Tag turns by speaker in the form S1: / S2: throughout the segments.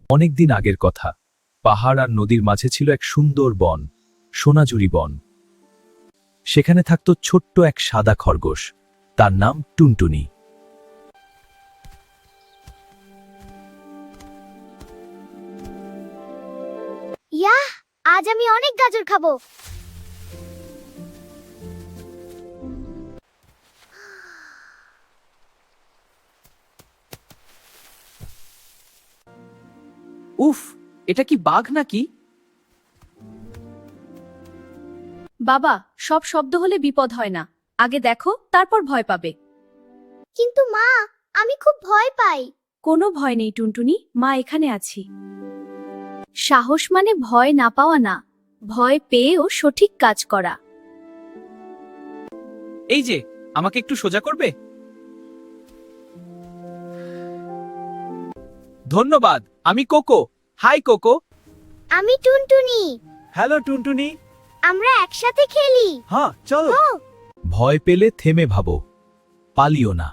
S1: অনেকদিন আগের কথা, পাহাড় আর নদীর মাঝে ছিল এক সুন্দর বন, সোনাঝুরি বন। সেখানে থাকত ছোট্ট এক সাদা খরগোশ, তার নাম টুনটুনি।
S2: ইয়াহ, আজ আমি অনেক গাজর খাবো।
S3: উফ, এটা কি বাঘ নাকি?
S4: বাবা, সব শব্দ হলে বিপদ হয় না। আগে দেখো, তারপর ভয় পাবে।
S2: কিন্তু মা, আমি খুব ভয় পাই।
S4: কোনো ভয় নেই টুনটুনি, মা এখানে আছি। সাহস মানে ভয় না পাওয়া না, ভয় পেয়েও সঠিক কাজ করা।
S3: এই যে, আমাকে একটু সোজা করবে? ধন্যবাদ। আমি কোকো। High cocoa.
S2: আমি টুনটুনি।
S3: হ্যালো টুনটুনি।
S2: আমরা একসাথে খেলি।
S3: হ্যাঁ, চলো।
S2: ও,
S1: ভয় পেলে থেমে ভাবো, পালিও না।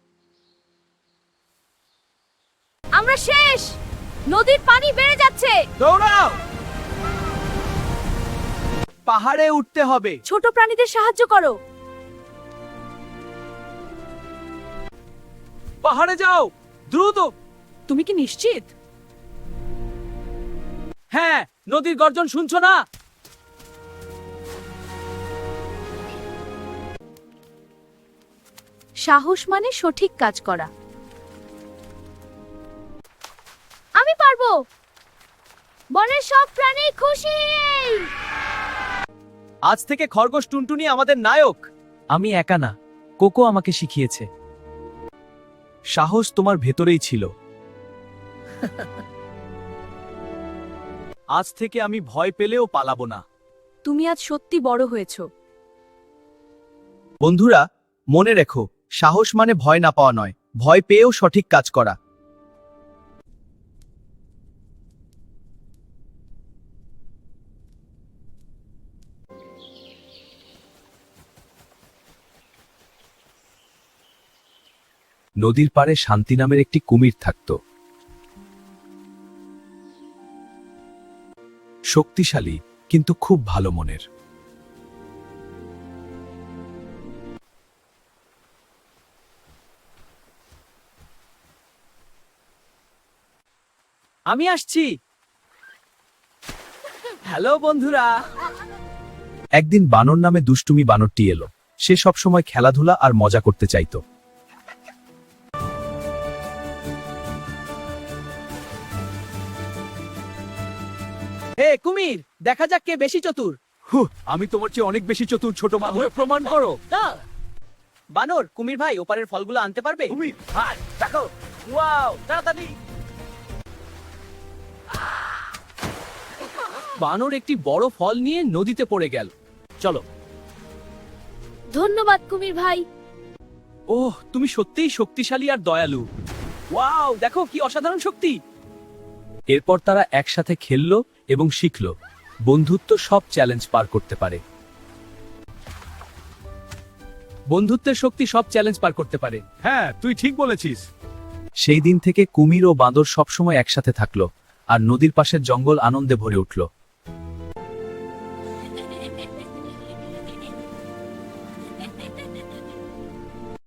S4: আমরা শেষ। নদীর পানি বেড়ে যাচ্ছে।
S3: দৌড়াও। পাহাড়ে উঠতে হবে।
S4: ছোট প্রাণীদের সাহায্য করো।
S3: পাহাড়ে যাও, দ্রুত। তুমি কি নিশ্চিত? হ্যাঁ, নদীর গর্জন শুনছো না?
S4: সাহস মানে সঠিক কাজ করা। আমি পারবো। বনের সব প্রাণী খুশি।
S3: আজ থেকে খরগোশ টুনটুনি আমাদের নায়ক। আমি একা না, কোকো আমাকে শিখিয়েছে।
S1: সাহস তোমার ভেতরেই ছিল। আজ থেকে আমি ভয় পেলেও পালাবো না।
S4: তুমি আজ সত্যি বড় হয়েছো।
S1: বন্ধুরা, মনে রেখো, সাহস মানে ভয় না পাওয়া নয়, ভয় পেয়েও সঠিক কাজ করা। নদীর পাড়ে শান্তি নামের একটি কুমির থাকত। শক্তিশালী, কিন্তু খুব ভালো মনের।
S3: আমি আসছি। হ্যালো বন্ধুরা।
S1: একদিন বানর নামে দুষ্টুমি বানরটি এলো। সে সবসময় খেলাধুলা আর মজা করতে চাইত।
S3: হে কুমির, দেখা যাক কে বেশি চতুর।
S1: আমি তোমার চেয়ে অনেক বেশি চতুর, ছোট বানর।
S3: প্রমাণ করো। বানর, কুমির ভাই ওপারের ফলগুলো আনতে পারবে?
S1: কুমির,
S3: হ্যাঁ, দেখো। ওয়াও, তাড়াতাড়ি। বানর একটি বড় ফল নিয়ে নদীতে পড়ে গেল। চলো।
S4: ধন্যবাদ কুমির ভাই।
S3: ওহ, তুমি সত্যিই শক্তিশালী আর দয়ালু। ওয়াও, দেখো কি অসাধারণ শক্তি।
S1: এরপর তারা একসাথে খেলল এবং শিখল, বন্ধুত্ব সব চ্যালেঞ্জ পার করতে পারে।
S3: বন্ধুত্বের শক্তি সব চ্যালেঞ্জ পার করতে পারে।
S1: হ্যাঁ, তুই ঠিক বলেছিস। সেই দিন থেকে কুমির ও বাঁদর সবসময় একসাথে থাকলো, আর নদীর পাশের জঙ্গল আনন্দে ভরে উঠল।